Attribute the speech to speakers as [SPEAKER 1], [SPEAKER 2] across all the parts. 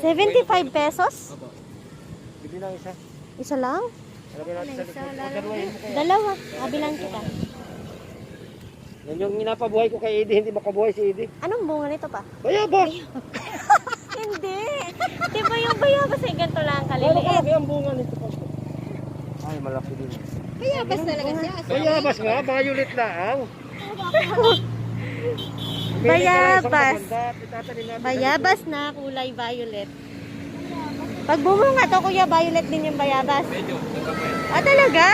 [SPEAKER 1] 75 pesos?
[SPEAKER 2] Opo. Bili lang isa.
[SPEAKER 1] Isa lang?
[SPEAKER 2] Lagyan natin sa likod. Orderwayin mo kaya.
[SPEAKER 1] Dalawa. Kabilan kita.
[SPEAKER 2] Yan yung inapabuhay ko kay Eddie, hindi makabuhay si Eddie.
[SPEAKER 1] Anong bunga nito pa?
[SPEAKER 2] Bayabas!
[SPEAKER 1] Hindi. Di ba yung bayabas ay ganito lang
[SPEAKER 2] Ano
[SPEAKER 1] kaliliit?
[SPEAKER 2] kalaki ang bunga nito pa? Ay, malaki din.
[SPEAKER 3] Bayabas talaga siya.
[SPEAKER 2] Bayabas nga, violet lang.
[SPEAKER 1] Bayabas. Bayabas na kulay violet. Pag bumunga to, kuya, violet din yung bayabas.
[SPEAKER 2] Medyo,
[SPEAKER 1] Ah, talaga?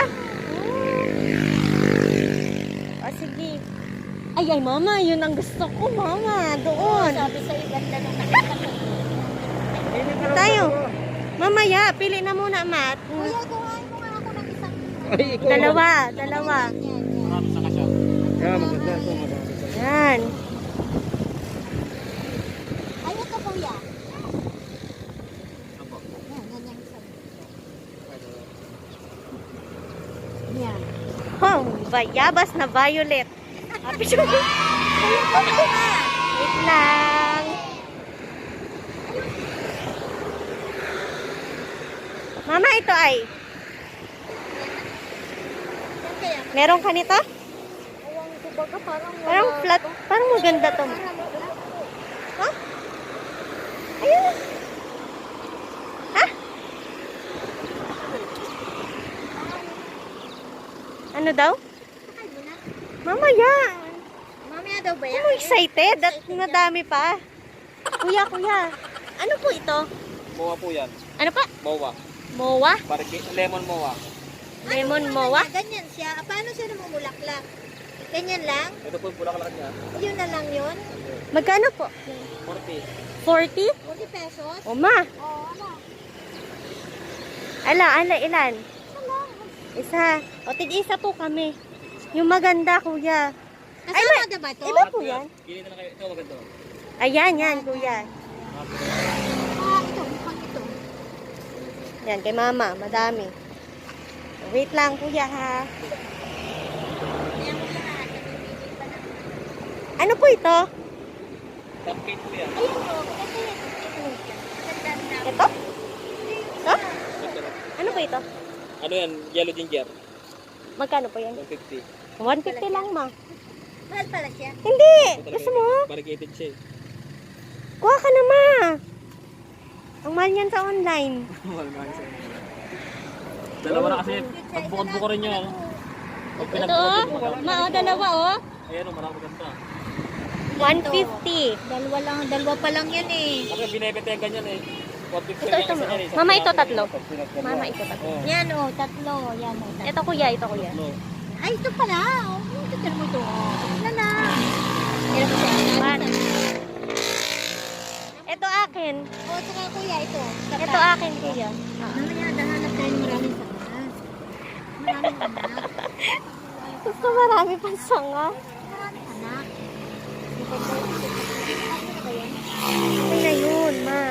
[SPEAKER 1] Oh, sige. Ay, mama, yun ang gusto ko, mama. Doon.
[SPEAKER 3] Sabi sa ganda nung nakita ko.
[SPEAKER 1] Tayo. Mamaya, pili na muna, Mat.
[SPEAKER 3] Kuya, kuhain mo nga ako ng isang.
[SPEAKER 2] Ay, ikaw.
[SPEAKER 1] Dalawa.
[SPEAKER 3] Yan, yan.
[SPEAKER 2] Marami sa kasya. Yeah, maganda ito, maganda.
[SPEAKER 1] Yan.
[SPEAKER 3] Ay, ito kuya.
[SPEAKER 2] Apo.
[SPEAKER 3] Yan, yan yung isa. Yan.
[SPEAKER 1] Oh, bayabas na violet. Happy siya. Wait lang. Mama, ito ay.
[SPEAKER 3] Yan kaya.
[SPEAKER 1] Meron ka nito?
[SPEAKER 3] Awang ko baga parang
[SPEAKER 1] Parang flat. Parang maganda to.
[SPEAKER 3] Parang wala.
[SPEAKER 1] Ha? Ayun. Ha? Ano daw?
[SPEAKER 3] Sakay mo na.
[SPEAKER 1] Mamaya.
[SPEAKER 3] Mamaya daw ba yan?
[SPEAKER 1] Ano excited? At madami pa. Kuya, kuya. Ano po ito?
[SPEAKER 2] Mowa po yan.
[SPEAKER 1] Ano pa?
[SPEAKER 2] Mowa.
[SPEAKER 1] Mowa?
[SPEAKER 2] Lemon mowa.
[SPEAKER 1] Lemon
[SPEAKER 3] Ano,
[SPEAKER 1] mowa?
[SPEAKER 3] Ganyan siya. Paano siya namumulaklak? Ganyan lang?
[SPEAKER 2] Ito po yung pulaklak niya.
[SPEAKER 3] Yun na lang yun?
[SPEAKER 1] Magkano po?
[SPEAKER 2] 40.
[SPEAKER 1] 40?
[SPEAKER 3] 40 pesos?
[SPEAKER 1] O ma.
[SPEAKER 3] Oo, ano?
[SPEAKER 1] Ala, ilan? Isa. O, tig-isa po kami. Yung maganda, kuya.
[SPEAKER 3] Kasama na ba ito?
[SPEAKER 1] Iba po yan.
[SPEAKER 2] Pili na lang kayo. Ito maganda.
[SPEAKER 1] Ayan, yan, kuya.
[SPEAKER 3] Ito, mukhang ito.
[SPEAKER 1] Yan, kay mama. Madami. Wait lang, kuya, ha.
[SPEAKER 3] Kaya mo lahat. Namimili pa na.
[SPEAKER 1] Ano po ito?
[SPEAKER 2] Cupcake po yan.
[SPEAKER 3] Ayun o, maganda yan. Maganda na.
[SPEAKER 1] Ito? Ito? Ano po ito?
[SPEAKER 2] Ano yan? Yellow ginger.
[SPEAKER 1] Magkano po yan?
[SPEAKER 2] 150.
[SPEAKER 1] 150 lang, ma.
[SPEAKER 3] Mahal pala siya.
[SPEAKER 1] Hindi! Gusto mo?
[SPEAKER 2] Variegated siya eh.
[SPEAKER 1] Kuha ka na, ma. Ang mahal yan sa online.
[SPEAKER 2] Dalawa na kasi. Pagbukod-buko rin nyo. Pag
[SPEAKER 1] Ito,
[SPEAKER 2] pinagbukas
[SPEAKER 1] oh.
[SPEAKER 2] mo,
[SPEAKER 1] Ma, dalawa, oh.
[SPEAKER 2] ayan o, marami ganda.
[SPEAKER 1] 150.
[SPEAKER 3] Dalawa pa lang yan eh.
[SPEAKER 2] Kasi binibete yung ganyan eh. 150
[SPEAKER 1] Ito, ito,
[SPEAKER 2] lang isa yan eh.
[SPEAKER 1] mama, ito tatlo. Mama, ito tatlo.
[SPEAKER 2] Oh.
[SPEAKER 3] Yan o, tatlo. Yan o, tatlo.
[SPEAKER 1] Ito, kuya, ito, kuya.
[SPEAKER 2] No.
[SPEAKER 3] Ay, ito pala. Oh, ito mo ito. Ito na. Yan mo siya.
[SPEAKER 1] Man. Ito akin.
[SPEAKER 3] O, saka kuya, ito.
[SPEAKER 1] Ito akin, kuya.
[SPEAKER 3] Mamaya, dahanap tayo ng maraming sanga. Maraming anak.
[SPEAKER 1] Gusto marami pang sanga.
[SPEAKER 3] Maraming anak.
[SPEAKER 1] Okay na yun, ma.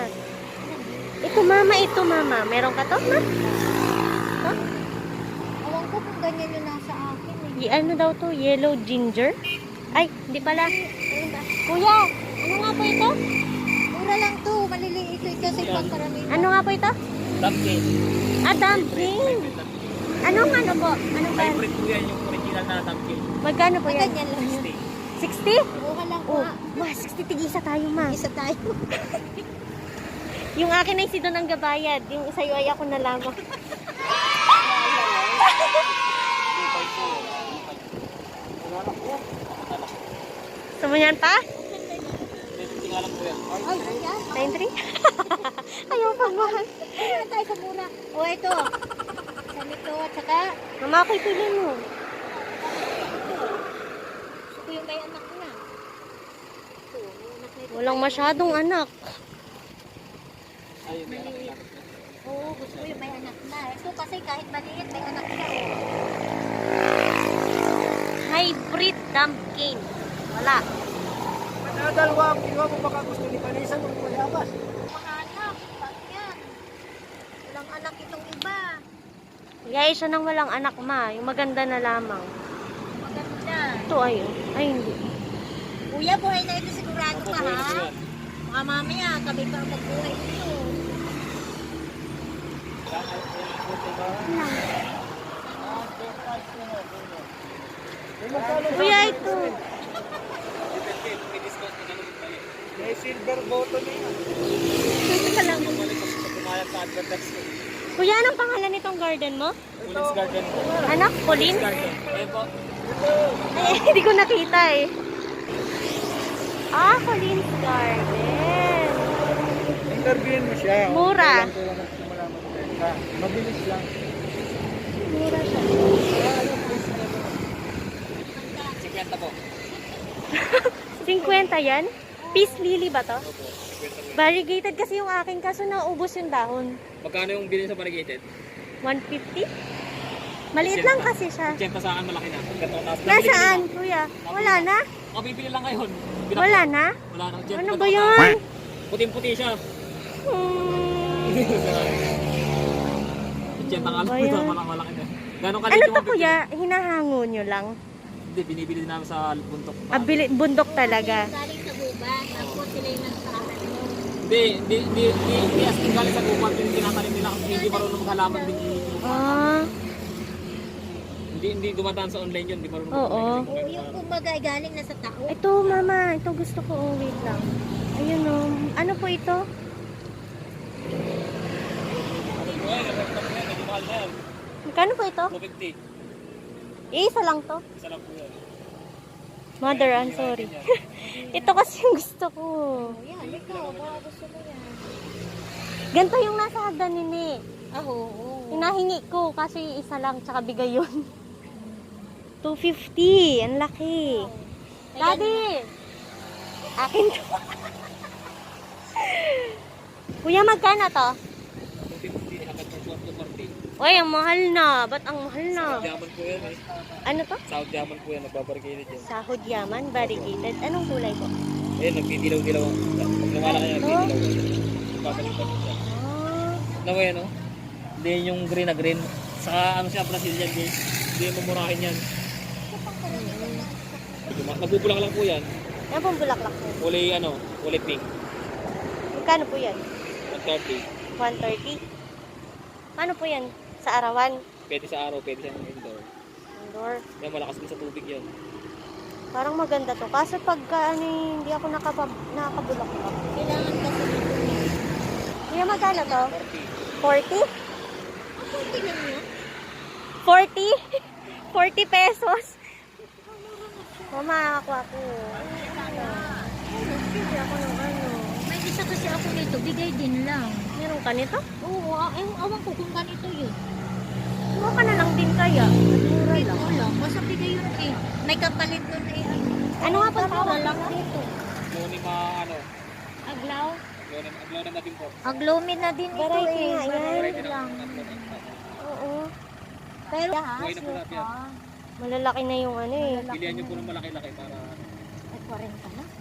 [SPEAKER 1] Ito, mama. Meron ka to, ma? Ito?
[SPEAKER 3] Awang ko kung ganyan yung nasa akin eh.
[SPEAKER 1] Ano daw to? Yellow ginger? Ay, hindi pala.
[SPEAKER 3] Ano ba?
[SPEAKER 1] Kuya, ano nga po ito?
[SPEAKER 3] Mura lang to. Maliliit ito kasi pang karamihan.
[SPEAKER 1] Ano nga po ito?
[SPEAKER 2] Dumpling.
[SPEAKER 1] Ah, dumpling. Anong ano po? Anong ba?
[SPEAKER 2] Hybrid po yan yung original na dumpling.
[SPEAKER 1] Magkano po yan?
[SPEAKER 3] Ganyan lang yun.
[SPEAKER 1] 60?
[SPEAKER 3] Mura lang
[SPEAKER 1] Oh,
[SPEAKER 3] pa.
[SPEAKER 1] ma, 60 tig-isa tayo, ma.
[SPEAKER 3] Isa tayo.
[SPEAKER 1] Yung akin ay si Don ang gabayad. Yung isa ay ako na lamang. Gusto mo yan pa?
[SPEAKER 2] Tingnan po yan.
[SPEAKER 3] Ay, yan.
[SPEAKER 1] 93? Ayaw pa, mahal.
[SPEAKER 3] Mura tayo sa mura. O, ito. Sa nito, at saka,
[SPEAKER 1] Mama, ako'y pili mo.
[SPEAKER 3] gusto ko yung may anak na. Ito, may anak na ito.
[SPEAKER 1] Walang masyadong anak.
[SPEAKER 2] Ayun, may anak na.
[SPEAKER 3] Oo, gusto ko yung may anak na. Ito kasi kahit maliit, may anak na.
[SPEAKER 1] Hybrid dumpling. Wala.
[SPEAKER 2] Madadalwa ang kinuha mo baka gusto ni Vanessa ng mayabas.
[SPEAKER 3] Mga anak, bakit yan? Walang anak itong iba.
[SPEAKER 1] Yay, siya nang walang anak, ma. Yung maganda na lamang.
[SPEAKER 3] Maganda.
[SPEAKER 1] Ito ay, ay hindi.
[SPEAKER 3] Kuya, buhay na ito sigurado ka, ha? Mamaya, kami pa magbuhay dito.
[SPEAKER 1] Kuya, ito.
[SPEAKER 2] May silver button na yan.
[SPEAKER 1] Ito lang.
[SPEAKER 2] Pumayag sa advertise ko.
[SPEAKER 1] Kuya, anong pangalan nitong garden mo?
[SPEAKER 2] Police garden po.
[SPEAKER 1] Anak, Colin?
[SPEAKER 2] Garden. Ayun po.
[SPEAKER 1] Ay, hindi ko nakita eh. Ah, Colin's Garden.
[SPEAKER 2] Interviewin mo siya.
[SPEAKER 1] Mura.
[SPEAKER 2] Kailan ko lang nagsimula magbenta. Mabilis lang.
[SPEAKER 1] Mura siya.
[SPEAKER 2] 50 po.
[SPEAKER 1] 50 yan? Peace lily ba to? Variegated kasi yung akin kaso naubos yung dahon.
[SPEAKER 2] Magkano yung bilhin sa variegated?
[SPEAKER 1] 150? Maliit lang kasi siya.
[SPEAKER 2] 80 sa akin malaki na. Ganito taas.
[SPEAKER 1] Nasaan, kuya? Wala na?
[SPEAKER 2] Ako bibili lang ngayon.
[SPEAKER 1] Wala na?
[SPEAKER 2] Wala na.
[SPEAKER 1] Ano ba yun?
[SPEAKER 2] Puting-puti siya.
[SPEAKER 1] Hmm.
[SPEAKER 2] 80 nga
[SPEAKER 1] Ba
[SPEAKER 2] lang.
[SPEAKER 1] yan?
[SPEAKER 2] Malaki na. Gano'ng
[SPEAKER 1] Ano to kuya? Hinahango nyo lang?
[SPEAKER 2] Hindi, binibili din namin sa bundok.
[SPEAKER 1] Bundok talaga.
[SPEAKER 3] Galing sa gubat, tapos sila yung nagsasabi mo.
[SPEAKER 2] Hindi as in galing sa gubat yung tinatanim nila kasi hindi marunong maghalaman din.
[SPEAKER 1] Ah,
[SPEAKER 2] Hindi dumadaan sa online yun, hindi marunong
[SPEAKER 1] Oo.
[SPEAKER 3] Oo, yung kumbaga galing na sa tao.
[SPEAKER 1] ito mama. Ito gusto ko. Oh, wait lang. Ayun o. Ano po ito?
[SPEAKER 2] Medyo mahal na yan.
[SPEAKER 1] Magkano po ito?
[SPEAKER 2] 250.
[SPEAKER 1] Isa lang to.
[SPEAKER 2] Isa lang po yan.
[SPEAKER 1] Mother, I'm sorry. Ito kasi yung gusto ko.
[SPEAKER 3] Yan, ikaw, baka gusto mo yan.
[SPEAKER 1] Ganito yung nasa hagdan nini.
[SPEAKER 3] Ah, oo.
[SPEAKER 1] Hinahingi ko kasi isa lang tsaka bigay yun. 250. Ang laki. Daddy! Akin to. Kuya, magkano to?
[SPEAKER 2] 250, hanggang sa 240.
[SPEAKER 1] Uy, ang mahal na. Ba't ang mahal na?
[SPEAKER 2] Diamond po yan eh.
[SPEAKER 1] Ano to?
[SPEAKER 2] South diamond po yan, nagbabarigate yan.
[SPEAKER 1] Sahod yaman, variegated. Anong kulay po?
[SPEAKER 2] Ayun, nagdidilaw-dilaw. Pag lumalaki yan, nagdidilaw. Babalik-balik siya.
[SPEAKER 1] Ah,
[SPEAKER 2] Ano mo yan, no? Hindi yung green na green. Saka ano siya, Brazilian green. Hindi yung mamurahin yan. Nagbubulang lang po yan.
[SPEAKER 1] yan pong bulaklak po.
[SPEAKER 2] Kulay pink.
[SPEAKER 1] Magkano po yan?
[SPEAKER 2] 130.
[SPEAKER 1] 130. Ano po yan? Sa arawan?
[SPEAKER 2] Pwede sa araw, pwede sa indoor.
[SPEAKER 1] Indoor.
[SPEAKER 2] Yan, malakas din sa tubig yan.
[SPEAKER 1] Parang maganda to. Kaso pagka hindi ako nakakabulaklak.
[SPEAKER 3] Kailangan kasi nito.
[SPEAKER 1] Kuya, magkano to?
[SPEAKER 2] 40.
[SPEAKER 1] 40?
[SPEAKER 3] Okay lang yan.
[SPEAKER 1] 40? 40 pesos? Mama, ako. Hindi ako ng ano.
[SPEAKER 3] May isa kasi ako nito, bigay din lang.
[SPEAKER 1] Meron ka nito?
[SPEAKER 3] Oo, awan ko kung ganito yun.
[SPEAKER 1] Kuha ka na lang din kaya. Mura
[SPEAKER 3] Hindi
[SPEAKER 1] lang.
[SPEAKER 3] ko lang, basta bigay yun eh. May kapalit nun eh.
[SPEAKER 1] Ano nga pang tawag
[SPEAKER 3] lang dito.
[SPEAKER 2] Glonema,
[SPEAKER 3] Aglaw?
[SPEAKER 2] Glonema din po.
[SPEAKER 3] Aglomid na din ito
[SPEAKER 1] Variety
[SPEAKER 3] eh.
[SPEAKER 1] nga yan.
[SPEAKER 3] Variety lang.
[SPEAKER 1] Oo.
[SPEAKER 3] Pero
[SPEAKER 2] Buhay na po lahat yan.
[SPEAKER 1] Malalaki na yung ano eh.
[SPEAKER 2] Pilihan nyo po ng malaki-laki para...
[SPEAKER 3] Ay, 40 na.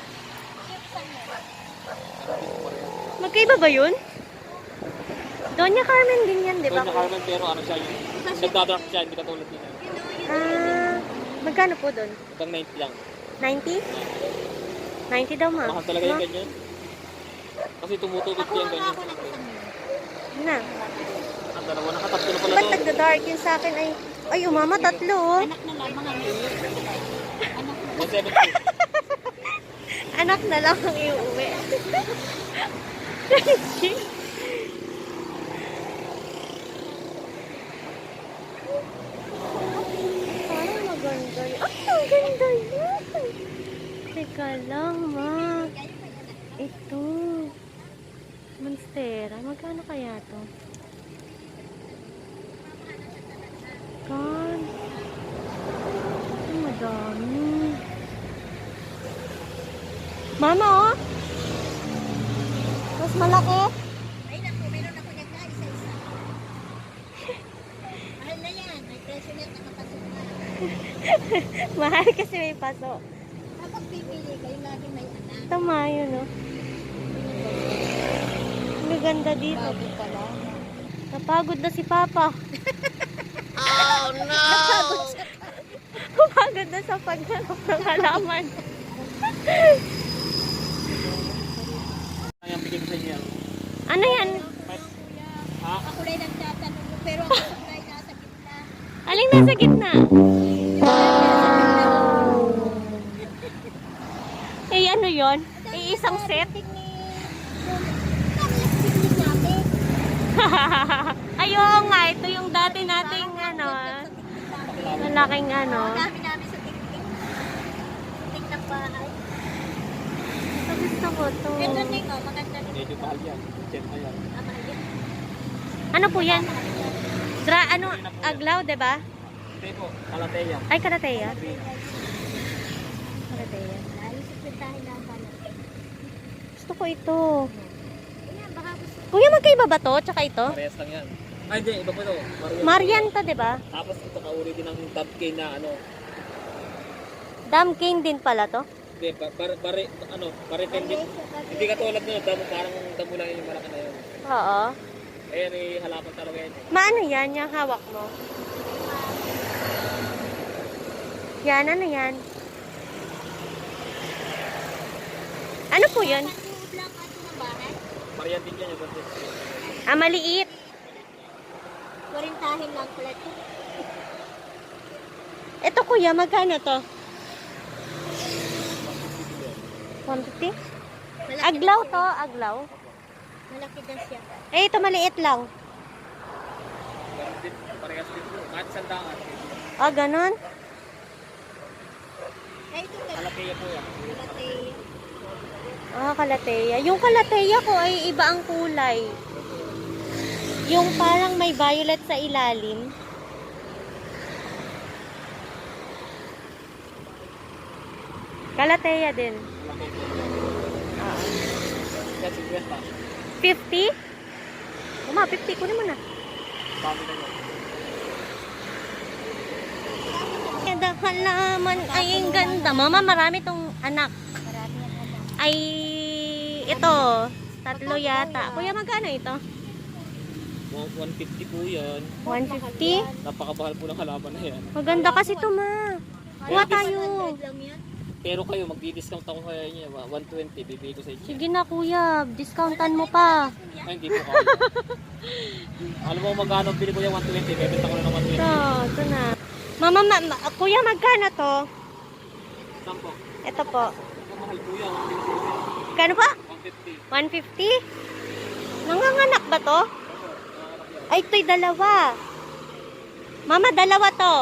[SPEAKER 1] Magkaiba ba yun? Doña Carmen din yan, di ba?
[SPEAKER 2] Doon na Carmen, pero ano siya yun. Nagdadraft siya, hindi katulad nila.
[SPEAKER 1] Ah, magkano po doon?
[SPEAKER 2] Hanggang 90 lang.
[SPEAKER 1] 90? 90 daw ma.
[SPEAKER 2] Mahal talaga yung ganyan. Kasi tumutubig
[SPEAKER 3] Ako
[SPEAKER 2] yan
[SPEAKER 3] nga
[SPEAKER 2] ganyan.
[SPEAKER 3] ako ng isang yun.
[SPEAKER 1] Na.
[SPEAKER 2] Ang dalawa, nakatatlo na pala
[SPEAKER 1] Ba't
[SPEAKER 2] doon.
[SPEAKER 1] nagda-dark yun sa akin ay... Ay, umama, tatlo oh.
[SPEAKER 3] Anak na lang, mga ngayon. Anak na.
[SPEAKER 2] 170.
[SPEAKER 1] Anak na lang ang iuwi. Parang maganda yun. Ay, ang ganda yun. Teka lang, ma. Ito. Monstera. Magkano kaya to? Kan. Ay, madami. Mama, oh. Mas malaki.
[SPEAKER 3] Ay, naku, meron ako niya ka, isa-isa. Mahal na yan. May presyo na nakapasok na.
[SPEAKER 1] Mahal kasi may paso.
[SPEAKER 3] Kapag pipili kayo, lagi may anak.
[SPEAKER 1] Tama yun, oh. Ang ganda dito.
[SPEAKER 3] Bago pa lang.
[SPEAKER 1] Napagod na si Papa.
[SPEAKER 3] Oh, no!
[SPEAKER 1] Napagod na sa paghanap ng halaman. Ano yan?
[SPEAKER 2] Ha?
[SPEAKER 3] Ako lang nagtatanong mo, pero ang supply nasa gitna.
[SPEAKER 1] Aling nasa gitna? Eh, ano yon? Eh, isang set? Ay, oo nga. Ito yung dati nating ano. Malaking ano.
[SPEAKER 3] Dami namin sa tiktik. Tiktik ng bahay.
[SPEAKER 1] Ito gusto ko to.
[SPEAKER 3] Ito din, oh, maganda din.
[SPEAKER 2] Medyo mahal yan. Check na yan.
[SPEAKER 1] Ano po yan? Ano? Aglaw, diba?
[SPEAKER 2] Hindi po, Kalateya.
[SPEAKER 1] Ay, kalateya. Kalateya.
[SPEAKER 3] Ayos yung pintahin lang pala.
[SPEAKER 1] Gusto ko ito.
[SPEAKER 3] Ayan, baka gusto.
[SPEAKER 1] Kuya, magkaiba ba to? Tsaka ito?
[SPEAKER 2] Parehas lang yan. Ay, hindi. Iba po ito.
[SPEAKER 1] Marian to, diba?
[SPEAKER 2] Tapos ito kauri din ng top cane na ano.
[SPEAKER 1] Dam cane din pala to.
[SPEAKER 2] Hindi, pare tendit. Hindi katulad nun. Parang damo lang yung malaki na yun.
[SPEAKER 1] Oo.
[SPEAKER 2] Ayan, eh, halaman talaga yan.
[SPEAKER 1] Maano yan? Yung hawak mo? Yan, ano yan? Ano po yun?
[SPEAKER 3] Patuod lang ato ng bahay.
[SPEAKER 2] Marian din yan yung ganito.
[SPEAKER 1] Ah, maliit.
[SPEAKER 3] Kurintahin lang pala ito.
[SPEAKER 1] Ito kuya, magkano to? 150?
[SPEAKER 3] Malaki
[SPEAKER 1] Aglaw
[SPEAKER 3] na
[SPEAKER 1] to,
[SPEAKER 3] siya.
[SPEAKER 1] aglaw.
[SPEAKER 3] Malaki na siya.
[SPEAKER 1] Eh, ito maliit lang.
[SPEAKER 2] Meron din, parehas din po. Kahit sandaan.
[SPEAKER 1] Ah, ganun?
[SPEAKER 3] Ay, ito ka.
[SPEAKER 2] Kalateya po yan.
[SPEAKER 3] Malaki.
[SPEAKER 1] Ah, kalateya. Yung kalateya ko ay iba ang kulay. Yung parang may violet sa ilalim. Kalateya din.
[SPEAKER 2] Malaki po.
[SPEAKER 1] Ah.
[SPEAKER 2] Yan, 50.
[SPEAKER 1] 50? Uma, 50 kunin mo na.
[SPEAKER 2] Dami na yan.
[SPEAKER 1] Kada halaman ay ang ganda. Mama, marami tong anak.
[SPEAKER 3] Marami ang anak.
[SPEAKER 1] Ay, ito. Tatlo yata. Kuya, magkano ito?
[SPEAKER 2] 150 po yan.
[SPEAKER 1] 150?
[SPEAKER 2] Napakabahal po ng halaman na yan.
[SPEAKER 1] Maganda kasi ito, ma. Kuha tayo.
[SPEAKER 3] 100 lang yan.
[SPEAKER 2] Pero kayo, magdi-discount ako kaya niya. 120, bibigay ko sa inyo.
[SPEAKER 1] Sige na, kuya. Discountan mo pa.
[SPEAKER 2] Ay, hindi po kaya. Alam mo kung magkano bili ko yung 120, bebenta ko na ng 120.
[SPEAKER 1] Ito na. Mama, kuya, magkano to?
[SPEAKER 2] Saan po?
[SPEAKER 1] Ito po.
[SPEAKER 2] Ang mahal po yan, 150.
[SPEAKER 1] Kano pa?
[SPEAKER 2] 150.
[SPEAKER 1] 150? Nanganganak ba to? Ay, ito'y dalawa. Mama, dalawa to.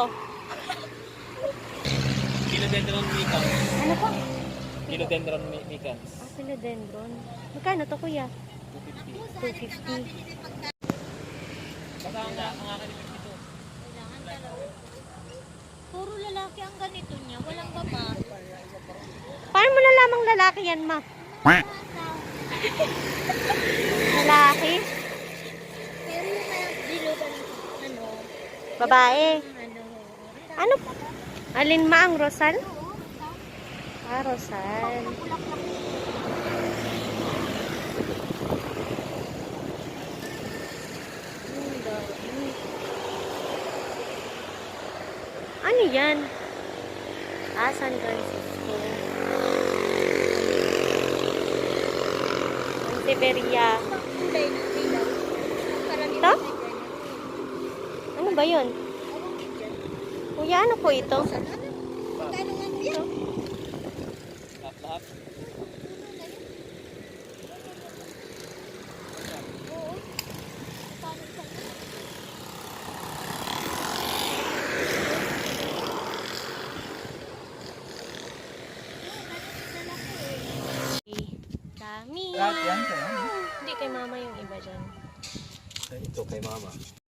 [SPEAKER 2] Philodendron micans.
[SPEAKER 1] Ano po?
[SPEAKER 2] Philodendron micans.
[SPEAKER 1] Ah, philodendron. Magkano to, kuya?
[SPEAKER 2] 250.
[SPEAKER 1] 250.
[SPEAKER 2] Basta ang akin 52.
[SPEAKER 3] Kailangan dalawa. Puro lalaki ang ganito niya. Walang babae.
[SPEAKER 1] Paano mo nalamang lalaki yan, ma? Lalaki?
[SPEAKER 3] Pero yung dilugan ano,
[SPEAKER 1] Babae?
[SPEAKER 3] ano,
[SPEAKER 1] Ano? Alin ma ang Rosal? Ah, Rosal. Ano yan? Ah, San Francisco. Siberia.
[SPEAKER 3] kulay na dilaw. Karamihan
[SPEAKER 1] Ito?
[SPEAKER 3] may ganyan.
[SPEAKER 1] Ano ba yun?
[SPEAKER 3] Ewan ko dyan.
[SPEAKER 1] Kuya, ano po ito?
[SPEAKER 3] Ano? Magkano nga mo yan?
[SPEAKER 2] Lahat.
[SPEAKER 3] Oo. Paano sa
[SPEAKER 1] Dami.
[SPEAKER 2] Lahat yan, sa'yo?
[SPEAKER 1] Hindi kay mama yung iba dyan.
[SPEAKER 2] Ito kay mama.